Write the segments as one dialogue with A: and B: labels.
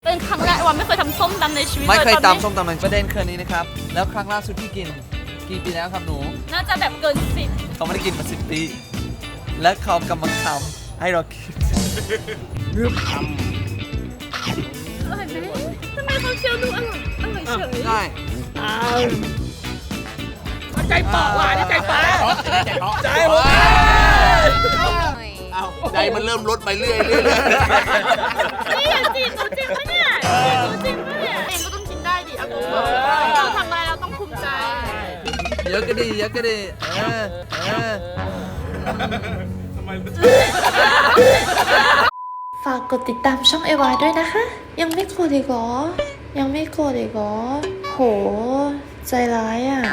A: เป็นครั้งแรกว่าไม่เคยทำส้มตำในชีวิต
B: ไม่เคย
A: ล
B: ตำส้มตำในประเด็นคืนนี้นะครับแล้วครั้งล่าสุดที่กินกี่ปีแล้วครับหนู
A: น่าจะแบบเกิน10
B: เขาไม่ได้กินมา10 ปี และเขากำลังทำให้เราคิดรึบ
A: อร่อยไหมทำไมเขาเคี้ยวดูอร่อยเฉย
B: ใช่
C: ใจเปาะว่ะนี่ใจเปาะใจผม
D: เอาใจมันเริ่มลดไปเรื่อย
A: นี่อย่าจีบหนูจริงปะเนี่ยจีบหนูจริงปะเนี่ยเองก็ต้องกินได้ดิอากูบอกเราทำอะไรเราต้องภูมิใจ
B: เยอะก็ดีเยอะก็ดี
E: ฝากกดติดตามช่องเอวาด้วยนะคะ ยังไม่กดอีกเหรอ ยังไม่กดอีกเหรอ โห ใจร้ายอ่ะ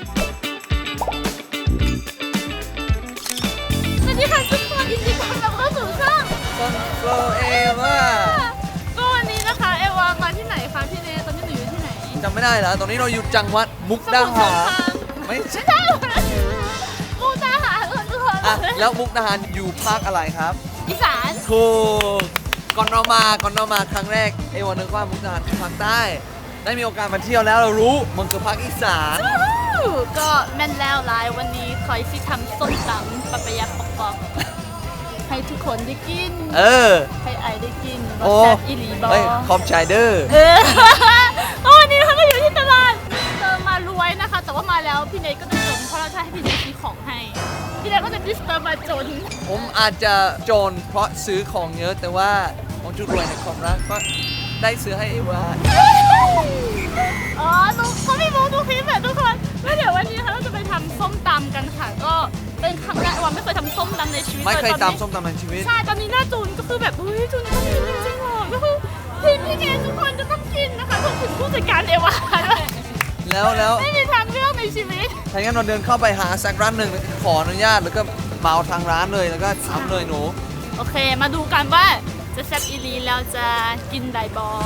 A: สวัสดีค่ะทุกคนยินดีต้อนรับเข้าสู่ช่อง
B: โฟเอว่า
A: ก็วันนี้นะคะเอวามาที่ไหนคะพี่เนยตอนนี้หนูอยู่ที่ไหน
B: จำไม่ได้แล้วตอนนี้เราอยู่จังหวัดมุกดาหารไม่ใช่
A: ใช่มูตาหาเอื้อน
B: อ่ะแล้วมุกดาหารอยู่ภาคอะไรครับ
A: อีสาน
B: ถูกก่อนเรามาครั้งแรกเอวานึกว่ามุกดาหารคือภาคใต้ได้มีโอกาสมาเที่ยวแล้วเรารู้มันคือภาคอีสาน
A: ก็แม่นแล้วไลน์วันนี้คอยที่ทำส้มตำปะปะยะปอกให้ทุกคนได้กิน
B: เออ
A: ให้ไอได้กิน
B: โอ้
A: แซ่บอีหลีบอ
B: เฮ้ยขอบใจเด้อ
A: วันนี้เราก็อยู่ที่ตลาดเจอมารวยนะคะ แต่ว่ามาแล้วพี่เนยก็จะจนเพราะเราจะให้พี่เนยซื้อของให้พี่เนยก็จะดิสเตอร์มาจน
B: ผมอาจจะจนเพราะซื้อของเยอะแต่ว่าผมจุดรวยในความรักก็ได้ซื้อให้เอวา
A: อ๋อเขาไม่รู้ทุกคลิปแบบทุกคนแล้วเดี๋ยววันนี้นะคะเราจะไปทำส้มตำกันค่ะ ก็เป็นครั้งแรกว่าไม่เคยทำส้มตำในชีวิต
B: ไม่เคย
A: ล
B: ตำส้มตำในชีวิต
A: ใช่ ตอนนี้หน้าจูนก็คือแบบเฮ้ยจูนก็มีจริงๆหรอก็คือทีมพี่เนยทุกคนจะต้องกินนะคะรวมถึงผู้จัดการเอวาด้วย
B: แล้ว
A: ไม่มีทางเลือกในชีวิต
B: ถ้างั้นเราเดินเข้าไปหาสักร้านหนึ่งขออนุญาตแล้วก็เหมาทางร้านเลยแล้วก็ทำเลยหนู
A: โอเค มาดูกันว่าจะแซ่บอีหลีแล้วจะกินไดบอ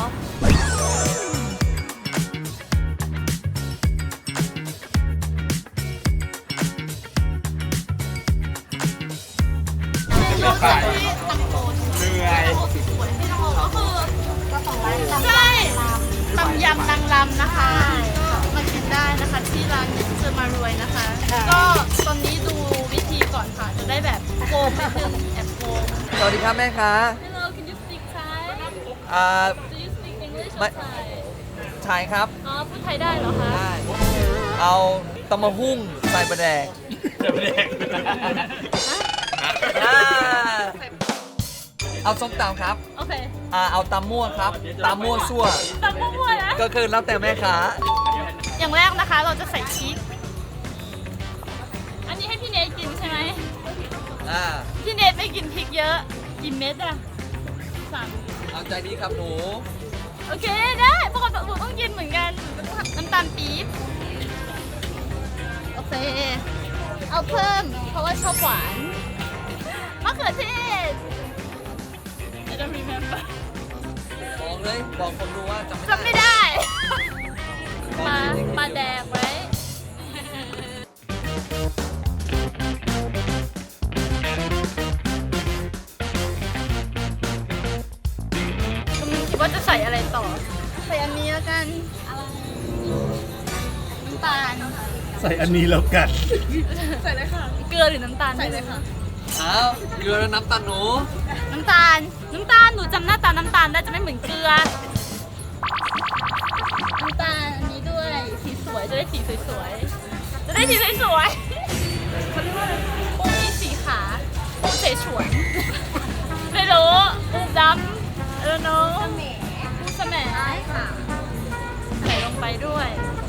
A: ใช่ตำยำนางรำนะคะ มากินได้นะคะที่ร้านเจอมารวยนะคะ ก็ตอนนี้ดูวิธีก่อนค่ะ จะได้แบบโกงนิดนึงแอบโกง
B: สวัสดีครับแม่ค้า
A: Hello can you speak Thai Do you speak English or
B: ไม่
A: Thai
B: ชายครับ
A: อ๋อพูดไทยได้เหรอคะ
B: ได้เอาตำมะหุ่งใส่ปลาแดกอ่าเอาส้มตำครับ
A: โอเค
B: เอาตำมั่วครับตำมั่วซั่ว
A: ตำมั่วๆนะ
B: ก็คือแล้วแต่แม่ค้า
A: อย่างแรกนะคะเราจะใส่ชีสอันนี้ให้พี่เนทกินใช่ไหม พี่เนทไม่กินพริกเยอะกี่เม็ดอะ3
B: เอาใจดีครับหนู
A: โอเคได้ปกติหนูต้องกินเหมือนกันน้ำตาลปี๊บโอเค เอาเพิ่มเพราะว่าชอบหวานมะเขือเทศ I don't remember
B: บอกเลยบอกคนดูว่าจำ
A: จำ
B: ไม่
A: ไม่
B: ได้
A: ได้มาแดกไว้กำลังคิดว่าจะใส่อะไรต่อ ใส่อันนี้แล้วกันน้ำตาล
C: ใส่อันนี้แล้วกัน
A: ใส่เลยค่ะ เกลือหรือน้ำตาล ใส่เลยค่ะ
B: อ้าวเกลือและน้ำตาลหนู
A: น้ำตาล หนูจำหน้าตาน้ำตาลได้จะไม่เหมือนเกลือ น้ำตาลอันนี้ด้วย สีสวย จะได้สีสวยๆ จะได้สีสวยๆเขาเรียกว่าอะไรปูมีสีขาปูเสฉวน ไม่รู้ปูดำเออเนาะปูสแหมค่ะ ใส่ลงไปด้วย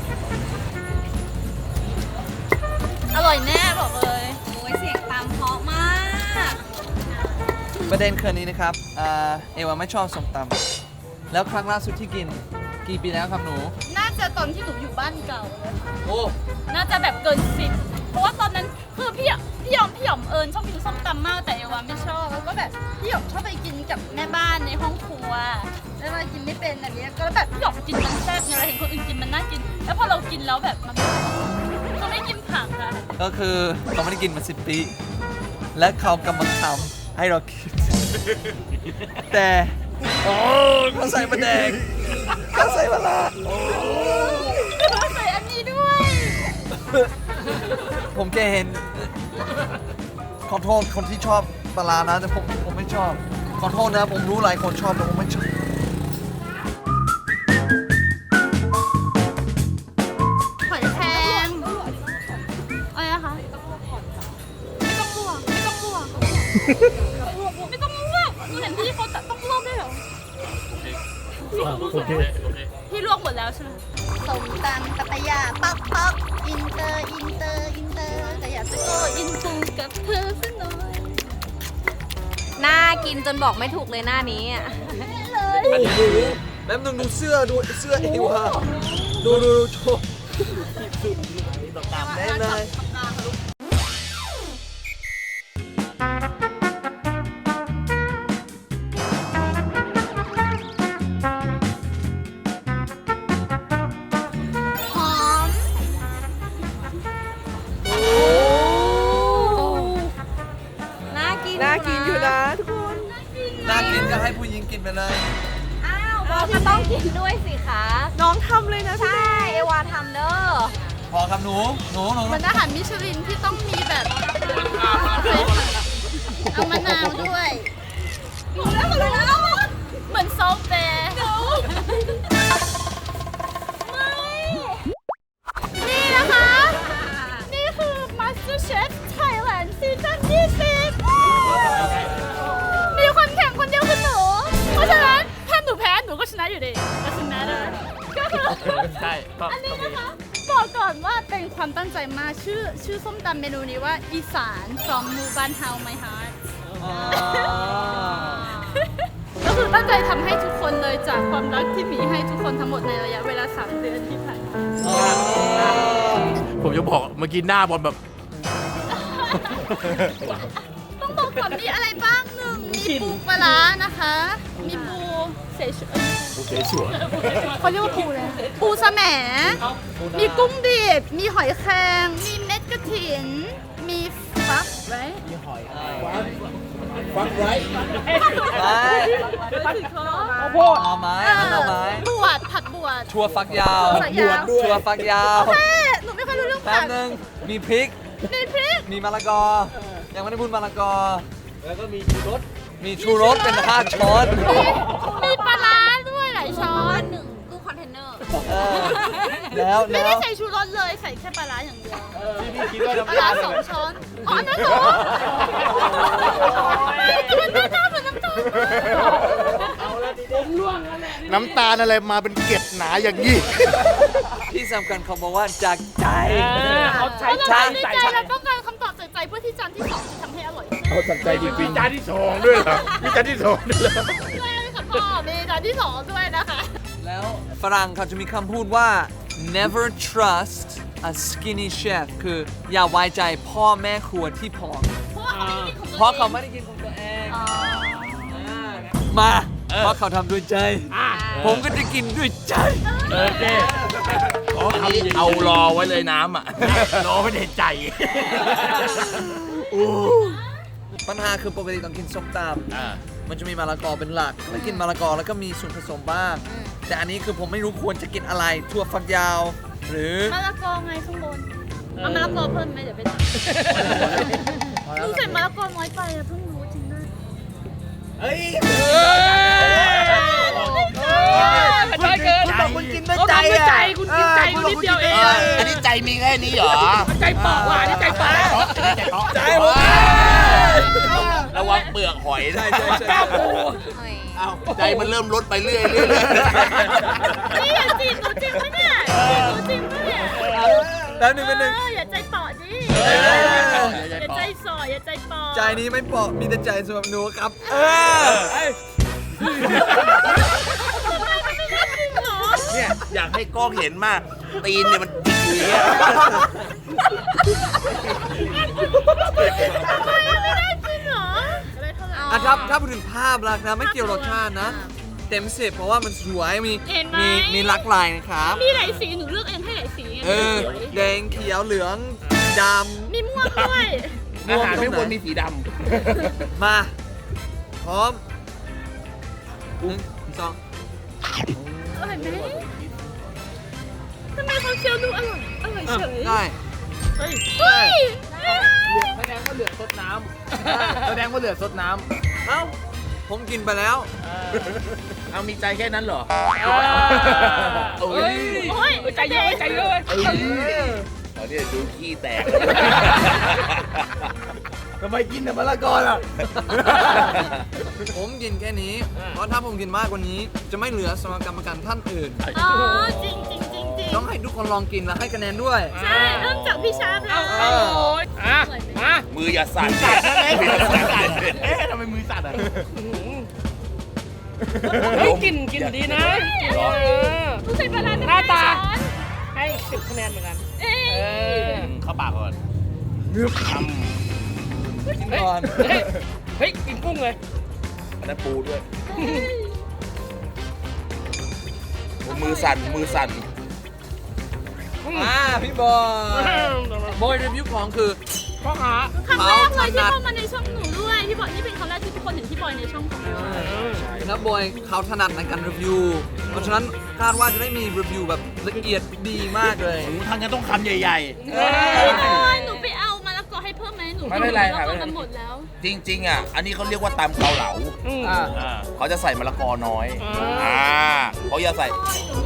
A: อร่อยแน่บอกเลย โอ้ยเสียงตามเพราะมาก
B: ประเด็นคืนนี้นะครับเอวาไม่ชอบส้มตำแล้วครั้งล่าสุดที่กินกี่ปีแล้วครับหนู
A: น่าจะตอนที่หนูอยู่บ้านเก่าเลยค่ะ
B: โอ้
A: น่าจะแบบเกิน10เพราะว่าตอนนั้นคือพี่หยอมเอิญชอบกินส้มตำมากแต่เอวาไม่ชอบแล้วก็แบบพี่หยอมชอบไปกินกับแม่บ้านในห้องครัวแล้วมากินไม่เป็นแบบนี้ก็แบบพี่หยอมกินมันแซ่บไงเราเห็นคนอื่นกินมันน่ากิน แล้วพอเรากินแล้วแบบมันเขาไม่กินผักอะ
B: ก็คือเขาไม่ได้กินมา10 ปี และเขากำลังทำให้เราคิดแต่เขาใส่ปลาแดงเขาใส่ปลาร้า
A: ใส่อันนี้ด้วย
B: ผมแค่เห็นขอโทษคนที่ชอบปลาร้านะแต่ผมไม่ชอบขอโทษนะผมรู้หลายคนชอบแต่ผมไม่ชอบ
A: หอยแครงอะไรนะคะไม่ต้องลวกไม่ต้องลวกไม่ต้องลวกหนูเห็นพี่เขาต้องลวกด้วยเหรอ
C: โอเค
A: พี่ลวกหมดแล้วใช่ไหมส้มตำปัตยาปักปักอินเตอร์อินเตอร์อินเตอร์แต่อยากจะโกอินฟูกับเธอสักหน่อย
F: น่ากินจนบอกไม่ถูกเลยหน้านี้อ่ะ
B: แป๊บนึงดูเสื้อเอวาดูโชว์ได้เลย
A: หอม
F: น่ากิน
C: น่ากินอยู่นะทุกคน
B: น่ากินก็ให้ผู้หญิงกินไปเลย
F: อ้าวบอกก็ต้องกินด้วยสิคะ
C: น้องทำเลยนะ
F: ใช่ เอวาทำเด้อ
B: พอครับหนู
A: เหมือนอาหารมิชลินที่ต้องมีแบบเอามะนาวด้วยเหมือนซอสแบร์นี่นะคะ นี่คือ MasterChef Thailand ซีซั่น20มีคนแข่งคนเดียวคือหนู เพราะฉะนั้นถ้าหนูแพ้หนูก็ชนะอยู่ดี doesn't matter ก็คือ
C: ใช่ก็
A: อันนี้นะคะบอกก่อนว่าเป็นความตั้งใจมากชื่อส้มตำเมนูนี้ว่าอีสาน from หมู่บ้านเฮา my heart ก็คือตั้งใจทำให้ทุกคนเลยจากความรักที่มีให้ทุกคนทั้งหมดในระยะเวลา3 เดือนที่ผ่านมา
C: ผมจะบอกเมื่อกี้หน้าบอลแบบ
A: ต้องบอกก่อนมีอะไรบ้างหนึ่งมีปูปลาร้านะคะ มีปูเสฉวน
C: โอเคสวย
A: เขาเรียกว่าปูเลยปูสะแหมมีกุ้งดิบมีหอยแครงมีเม็ดกระถิน มีฟักไร
C: ฟังไร
B: เอาไม้
A: บวชผัดบวช
B: ชัวฟักยาว
A: ใส่ยาว
B: ชัวฟักยาว
A: โอเคหนูไม่ค่อยรู้เรื่อง
B: แป๊
A: ผั
B: บ
A: ด
B: นึงมีพริก
A: มีพริก
B: มีมะละกอ ยังไม่ได้พูดมะละกอ แล้วก็มีชูรสเป็น5 ช้อน
A: มีปลาร้าด้วยหลายช้อน
F: หนึ่งตู้คอนเทนเนอร์
B: แล้ว
A: ไม่ได้ใส่ชูรสเลยใส่แค่ปลาร้าอย่างเดียว
B: ที่พี่คิดว่า
A: ปลาร้า2 ช้อนอ๋ออันนั้นเหรอมันไม่น่าเหมือนน้ำตาล
D: น้ำตาลอะไรมาเป็นเกล็ดหนาอย่างนี้
B: ที่สำคัญเขาบอกว่าจากใจ
C: เขาใช้
A: เรา
C: ใช้
A: ทำด้วยใจแล้วต้องการคำตอบจากใจเพื่อที่จานที่ 2 จะทำให้อร่อยขึ้น
C: เขาสั่งใจจริงๆจานที่สองด้วยเหรอมีจานที่สองด้วยเหรอ
A: ด้วยค่ะพ่อมีจานที่ 2 ด้วยนะคะ
B: แล้วฝรั่งเขาจะมีคำพูดว่า never trust a skinny chef คืออย่าไว้ใจพ่อแม่ครัวที่ผอม เพราะเขาไม่ได้กินของตัวเองมาเพราะเขาทำด้วยใจ ผมก็จะกินด้วยใจ
C: โอเคขอ
D: อันนี้
C: คำ
D: เอารอไว้เลยน้ำอ่ะ
C: รอไว้ในใจ
B: ปัญหาคือปกติต้องกินส้มตำมันจะมีมะละกอเป็นหลักแล้วกินมะละกอแล้วก็มีส่วนผสมบ้าง แต่อันนี้คือผมไม่รู้ควรจะกินอะไรถั่วฝักยาว หรือ
A: มะละกอไงข้างบนเอามะละกอเพิ่มไหมเดี๋ยวไปตัดลุงใส่มะละกอน้อยไปอะเพิ่งรู้จริงด้วย
C: ใช่เกิน
B: คุณบอกคุณกินด้วย
C: เขา
B: ใจ
C: ทำด้วยใจคุณกินใจ
B: คุณ
C: นิดเดียวเอง
D: อันนี้ใจมีแค่นี้เหรอ
C: ใจเปาะว่ะนี่ใจเปาะ
B: ใจผม
D: ระวังเปลือกหอยนะ
C: กล้าปู
D: ใจมันเริ่มลดไปเรื่อย
A: นี่อย่าจีบหนูจริงปะเนี่ยจีบหนูจริงปะเนี่ย
B: แล้วหนึ่งเป็นหนึ่ง
A: อย่าใจเปาะดิอย่าใจส่ออย่าใจเปาะ
B: ใจนี้ไม่เปาะมีแต่ใจสำหรับหนูครับ
A: ทำไมมันไม่ได้จริงเหรอ
D: เนี่ยอยากให้กล้องเห็นมาก ตีนเนี่ยมันจิกอยู่อย่างเงี้ย
A: ทำไมมันไม่ได้จริงเหรอได้เท่าไหร่
B: อ่ะถ้าพูดถึงภาพลักษณ์นะไม่เกี่ยวรสชาตินะ เต็ม10เพราะว่ามันสวยมีหลากหลายนะครับ
A: มีหลายสีหนูเลือกเองให้หลายสีไง
B: แดงเขียวเหลืองด
A: มีม่วงด้วย
D: อาหารไม่ควรมีสีด
B: ำมาพร้อม 1 2
A: อร่อยไหมทำไมเขาเคี้ยวดูอร่อยเฉย
B: ได้
C: เฮ้ย
A: เฮ้ย
C: แสดงว่าเหลือซดน้ำแสดงว่าเหลือซดน้
B: เอ้าผมกินไปแล้ว
D: ำเอามีใจแค่นั้นเหรอ
C: ำเฮ้ย
A: โอ้ย
C: ใจเยอะใจเยอะ
D: เอาเนี่ยดูขี้แตก
C: ทำไมกินแต่มะละกอล่ะ
B: ผมกินแค่นี้ เพราะถ้าผมกินมากกว่านี้ จะไม่เหลือสำหรับกรรมการท่านอื่น
A: อ๋อจริงจริงจริงจริง
B: ต้องให้ทุกคนลองกินและให้คะแนนด้วย
A: ใช่เริ่มจากพี่ชาร์ปแล้ว
C: โอ้ยอ่ะมา
D: มืออย่าสั่น
C: มืออย่าสั่น
D: เอ๊ะทำไมมือสั่นอ่ะ
C: เฮ้ยกินดีนะ
A: ผู้ชายประหลาด
C: หน้าตา
A: ช้อน
C: ให้10 คะแนนเหมือนกัน
A: เอ้ย
D: เข้าปากก่อน
B: กินก่อน
C: เฮ้ยกินกุ้งเลย
D: อันนั้นปูด้วยมือสั่นมือสั่น
B: พี่บอยรีวิวของคือ
C: พ่อค้า
A: ครั้งแรกเลยที่เข้ามาในช่องหนูด้วยพี่บอยนี่เป็นครั้งแรกที่ทุกคนเห็นพี่บอยในช่องของเรา
B: แล้วบอยเขาถนัดในการรีวิว เพราะฉะนั้นคาดว่าจะได้มีรีวิวแบบละเอียดดีมากเลย
D: ทางนั้นต้องคำใหญ่
A: พี่บอยหนูไปเอามะละกอให้เพิ่มไหมหนู
D: ไม่เป็นไร
A: มะ
D: ครั
A: ละ
D: บ
A: กอกันหมดแล้ว
D: ๆ จริงๆอ่ะ อันนี้เขาเรียกว่าตำเกาเหลา
B: อ่า
D: เขาจะใส่มะละกอน้อยเขาจะใส่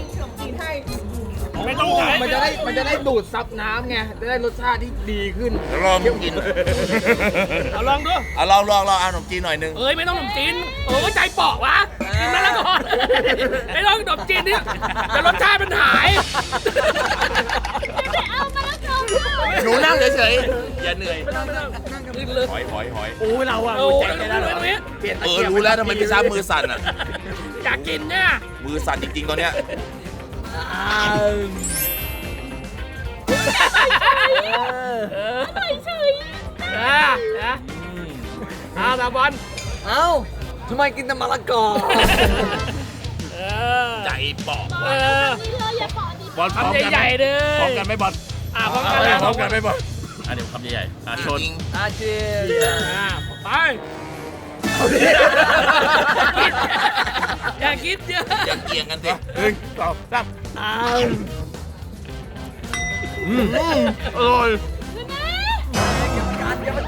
C: ไม่ต้องมันจะได้ดูดซับน้ำไง จะได้รสชาติที่ดีขึ้น
D: ลองกิน
C: เอาลองดู
D: เอาลองเอาขนมจีนหน่อยนึง
C: เอ้ยไม่ต้องขนมจีนโอ้ยใจเปาะวะ กินมาแล้วก่อนไม่ต้องขนมจีนนี่แต่รสชาติมันหาย
A: ไปเอามะละกอ
D: หนูนั่งเฉยๆ อย่าเหนื่อย
C: กินเลย
D: หอย
C: โอ้ยเราอะ
B: โอ้ย
C: ใจได้แล้วเปลี่ยนตะกียบ
D: รู้แล้วทำไมพี่ซ้ำมือสั่นอ่ะ
C: อยากกินเนี่ย
D: มือสั่นจริงๆตอนเนี้ย
A: เฉย
C: ตาบอล
B: เอ้าทำไมกินแต่มะละกอ
D: ใจบอก
A: นี่เลยอย่าปอดี
D: บอลพร้อม
C: ทำ
D: กัน
C: ใหญ่ๆเลย
D: พร้อมกันไหมบอล
C: พร้อมกันแล้ว
D: พร้อมกันไหมบอลอันนี้คำใหญ่ๆชน
B: อาเจีย
C: ไปอย่าคิดเยอะ
D: อย่าเกี่ยงกันสิ1 2 3อร่อย
C: เก็บอาการเก็บอา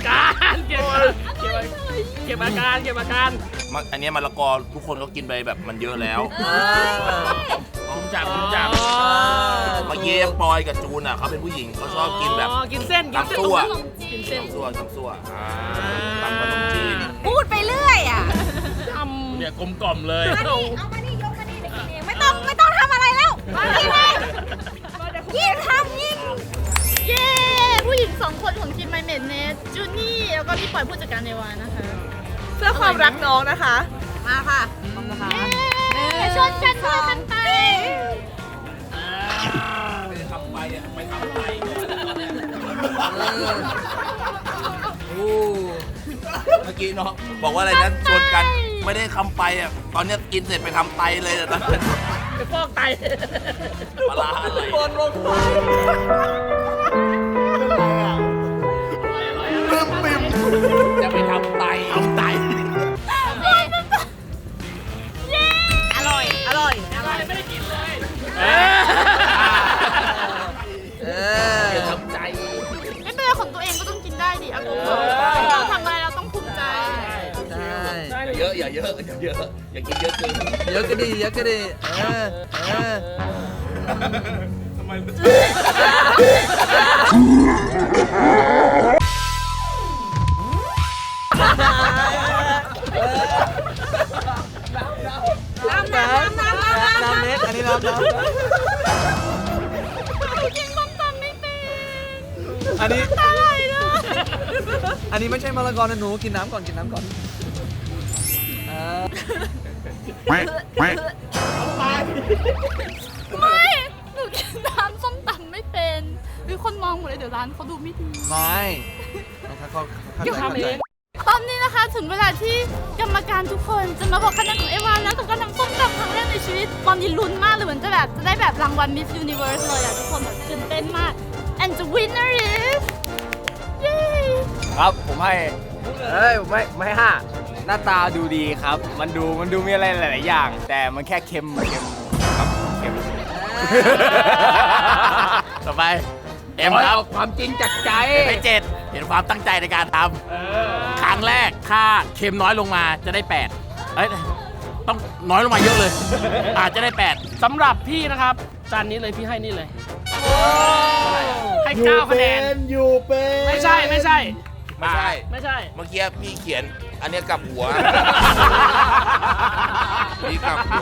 C: การ
D: อันนี้มะละกอทุกคนก็กินไปแบบมันเยอะแล้วคุ้มจับ เมื่อกี้ปอยกับจูนอ่ะเขาเป็นผู้หญิงเขาชอบกินแบบ
C: กินเส้น
D: ตำซั่ว
C: กินเส้น
D: ตำซั่วตำขนมจีน
F: พูดไปเรื่อยอ่ะ
C: ทำ
D: เนี่ยกลมกล่อมเลย
F: เอามานี่ยกมานี่เดี๋ยวกินเองไม่ต้องทำอะไรแล้วกินเองยิ่งทำยิ่ง
A: เย้ผู้หญิง2 คนของทีมไมเมดเนสจูนี่แล้วก็พี่ปอยผู้จัดการในวานะคะ
F: เพื่อความรักน้องนะคะ มาค่ะ
A: เย้ชนกันด้วยกันไป
D: ทำไปอ่ะไปทำไป
B: โอ้
D: เมื่อกี้เนาะบอกว่าอะไรนะชวนกันไม่ได้คำไปอ่ะตอนเนี้ยกินเสร็จไปทำไตเลยนะ
C: ไปฟอกไต
D: ปลาร้าอะไร
B: บอลลงไป
D: จะไปทำไต
F: อร่อย
C: ไม่ได้กินเลย
D: อย่าทำใจ
A: ไม่เป็นไรของตัวเองก็ต้องกินได้ดิอากูเราทำอะไรเราต้องภูมิใจ
B: ใช่
D: เยอะอย่าเยอะอย่าเยอะอย่ากินเยอะเกิน
B: เยอะก็ดีเยอะก็ดีเออ
D: ทำไม
B: น้ำเน็ตอันนี้น้ำ
A: กินส้มตำไม่เป็น
B: อันนี้
A: ตายเลย
B: อันนี้ไม่ใช่มะละกอนะหนูกินน้ำก่อนกินน้ำก่อน
A: ไม่ หนูกินน้ำส้มตำไม่เป็นหรือคนมองหมดเลยเดี๋ยวร้านเขาดูไม่ดี
B: ไม่เขา
C: เดี๋ยวทำเอง
A: ตอนนี้นะคะถึงเวลาที่กรรมการทุกคนจะมาบอกคะแนนของเอวาแล้วกับการทำส้มตำครั้งแรกในชีวิต ตอนนี้ลุ้นมากเลยเหมือนจะได้แบบรางวัล Miss Universe เลยอะทุกคนแบบตื่นเต้นมาก and the winner is เย้
C: ครับผมให้ผมให้5
G: หน้าตาดูดีครับ มันดูมีอะไรหลายๆอย่าง แต่มันแค่เค็มครับเค็ม
D: ต่อไปเอ็มครับ
C: ความจริงจากใจ
D: ไป7เห็นความตั้งใจในการทำครั้งแรกถ้าเค็มน้อยลงมาจะได้8เอ้ยต้องน้อยลงมาเยอะเลย อาจจะได้8
C: สำหรับพี่นะครับจานนี้เลยพี่ให้นี่เลยให้9คะแนนไม่ใช่
D: ไม่ใช่
C: ไม่ใช่
D: เมื่อกี้พี่เขียนอันเนี้ยกลับหัว พี่กลับหัว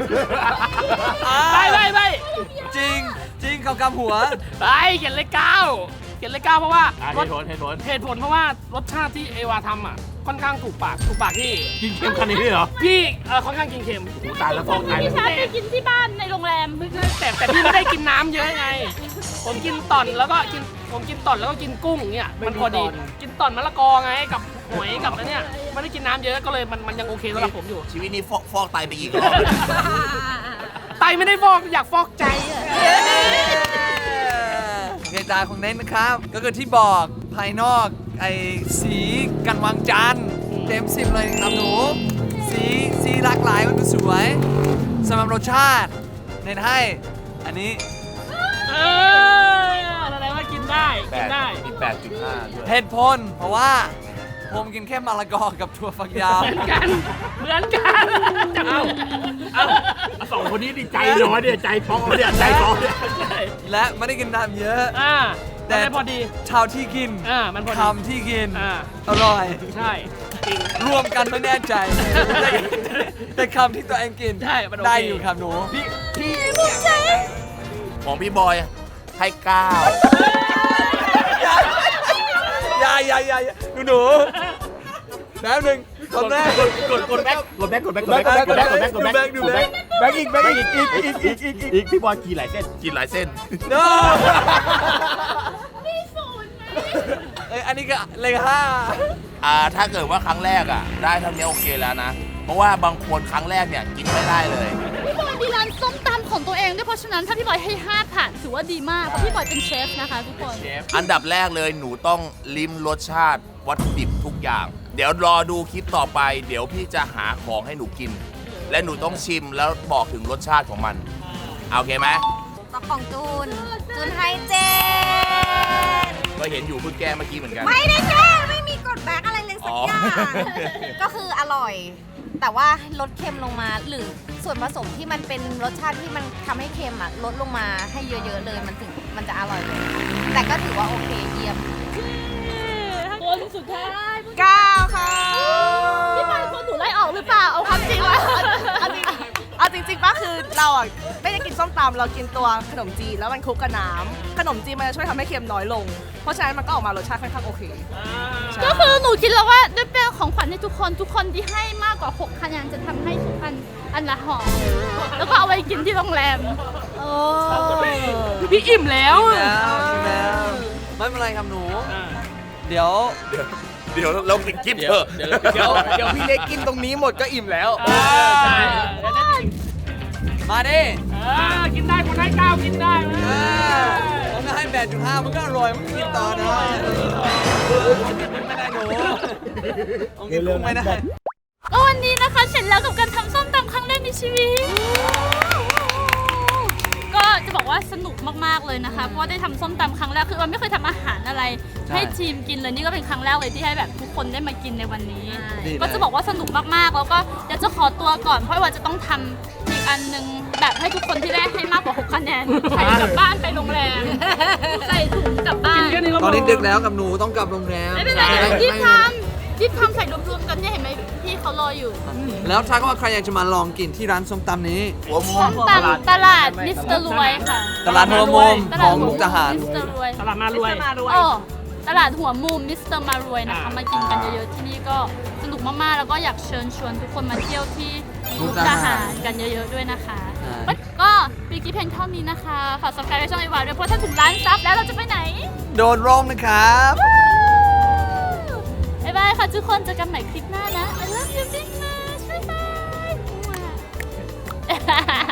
C: ไม่
B: จริงเขากำหัว
C: ไปเขียนเลข9เพราะว่า
D: เหตุผล
C: เหตุผลเพราะว่ารสชาติที่เอวาทำอ่ะค่อนข้างถูกปากพี่
D: กินเค็มขนาดนี้เหรอ
C: พี่ค่อนข้างกินเค็ม
D: ตายแล้วฟองตาย
A: พี่
D: แล้ว
A: ชาไปกินที่บ้านในโรงแรม
C: แต่พี่ไม่ได้กินน้ำเยอะไง ผมกินต่อนแล้วก็กินกุ้งเนี่ยมันพอดีกินต่อนมะละกอไงกับหอยกับอะไรเนี่ยไม่ได้กินน้ำเยอะก็เลยมันยังโอเคสำหรับผมอยู่
D: ชีวิตนี้ฟอกไตไปกี่รอบ
C: ไตไม่ได้ฟอกอยากฟอกใจอะ
B: โอเคจานของเน้นนะครับ ก็คือที่บอกภายนอกไอ้สีกันวางจานเต็ม10เลยครับหนู สีหลากหลายมันดูสวยสำหรับรสชาติเน้นให้อันนี้
C: อะไรว่ากินได้กินได้
D: มี 8.5 ด้วย
B: เหตุผลเพราะว่าผมกินแค่มะละกอกับถั่วฝักยาว
C: เหมือนกันเอา
D: สองคนนี้ดิใจน้อยเนี่ยใจฟองเนี่ยใจฟองเนี่ย
B: และไม่ได้กินน้ำเยอะ
C: แต่พอดี
B: เท่าที่กิน
C: มันพอดี
B: คำที่กิน อร่อย
C: ใช่จริง
B: รวมกันไม่แน่ใจ แต่คำที่ตัวเองกิน
C: ใช่มันโอเค
B: ได้อยู่ครับหนู
D: ของพี่บอยให้
B: อย่าหนูแป๊บหนึ่งคำแรก
D: กดแบ็คอีกพี่บอยกี่หลายเส้น
B: no อันนี้ก็เลข5
D: ถ้าเกิดว่าครั้งแรกได้เท่านี้โอเคแล้วนะ เพราะว่าบางคนครั้งแรกเนี่ยกินไม่ได้เลย
A: พี่บอยมีร้านส้มตำของตัวเองด้วยเพราะฉะนั้นถ้าพี่บอยให้5ผ่านถือว่าดีมากเพราะพี่บอยเป็นเชฟนะคะทุกคน
D: อันดับแรกเลยหนูต้องลิ้มรสชาติวัตถุดิบทุกอย่าง เดี๋ยวรอดูคลิปต่อไป เดี๋ยวพี่จะหาของให้หนูกิน และหนูต้องชิมแล้วบอกถึงรสชาติของมันโอเคไหม
F: ต่อของจูนให้7
D: ก็เห็นอยู่เพิ่งแก้เมื่อกี้เหมือนกัน
F: ไม่ได้แกล้งไม่มีกดแบ็คอะไรเลยสักอย่าง ก็คืออร่อย แต่ว่าลดเค็มลงมาหรือส่วนผสมที่มันเป็นรสชาติที่มันทำให้เค็มลดลงมาให้เยอะๆเลยมันจะอร่อยเลย แต่ก็ถือว่าโอเคเยี่ยม
A: คนสุดท้าย
F: 9 ค่ะ
A: พี่บอยคนหนูไล่ออกหรือเปล่าเอาความจริงว่า
H: เอาจริงๆป่ะคือเราอ่ะไม่ได้กินส้มตำเรากินตัวขนมจีนแล้วมันคลุกกับน้ำขนมจีนมันจะช่วยทำให้เค็มน้อยลง เพราะฉะนั้นมันก็ออกมารสชาติค่อนข้างโอเค
A: ก็คือหนูคิดแล้วว่าด้วยเป็นของขวัญให้ทุกคนที่ให้มากกว่า6คะแนนจะทำให้ทุกอันละห่อแล้วก็เอาไว้กินที่โรงแรม
C: พี่อิ่มแล้ว
B: แล้วไม่เป็นไรครับหนู เดี๋ยว
D: เราปิดคลิปเถอะ
G: เดี๋ยวพี่เล็กกินตรงนี้หมดก็อิ่มแล้ว
C: ใช่
B: มาดิ
C: กินได้คนให้9กินได้นะ
B: ผมก็ให้8.5มันก็อร่อยมันก็กินต่อนะไม่ได้หนูผมกินกุ้งไม่ได้
A: ก็วันนี้นะคะเสร็จแล้วกับการทำส้มตำครั้งแรกในชีวิต ก็จะบอกว่าสนุกมากๆเลยนะคะเพราะว่าได้ทำส้มตำครั้งแรกคือวันไม่เคยทำอาหารอะไรให้ทีมกินเลยนี่ก็เป็นครั้งแรกเลยที่ให้แบบทุกคนได้มากินในวันนี้ ก็จะบอกว่าสนุกมากๆแล้วก็เดี๋ยวจะขอตัวก่อนเพราะว่าจะต้องทำอีกอันนึงแบบให้ทุกคนที่ได้ให้มากกว่า6คะแนนใส่กลับบ้านไปโรงแรมใส่ถุงกลับบ้าน
B: ตอนนี้ดึกแล้วกับหนูต้องกลับโรงแรม
A: ไม่เป็นไรเดี๋ยวรีบทำใส่รวมๆกันเนี่ยเห็นไหมพี่เขารออยู่
B: แล้วถ้าว่าใครอยากจะมาลองกินที่ร้านส้มตำนี้
A: ส้มตำตลาดมิสเตอร์รวยค่ะ
B: ตลาดหัวมุมของมุกดาหาร
A: มิสเตอร์รวย
C: ตลาดมารวย
A: โอ้ตลาดหัวมุมมิสเตอร์มารวยนะคะมากินกันเยอะๆที่นี่ก็สนุกมากๆแล้วก็อยากเชิญชวนทุกคนมาเที่ยวที่มุกดาหารกันเยอะๆด้วยนะคะก็ปีกี้เพลงเท่านี้นะคะฝาก subscribe ช่องไอวาด้วยเพราะถ้าถึงล้านซับแล้วเราจะไปไหน
B: โดนร่มนะครับ
A: บ๊ายบายค่ะทุกคนเจอกันใหม่คลิปหน้านะ I love you big much บ๊ายบาย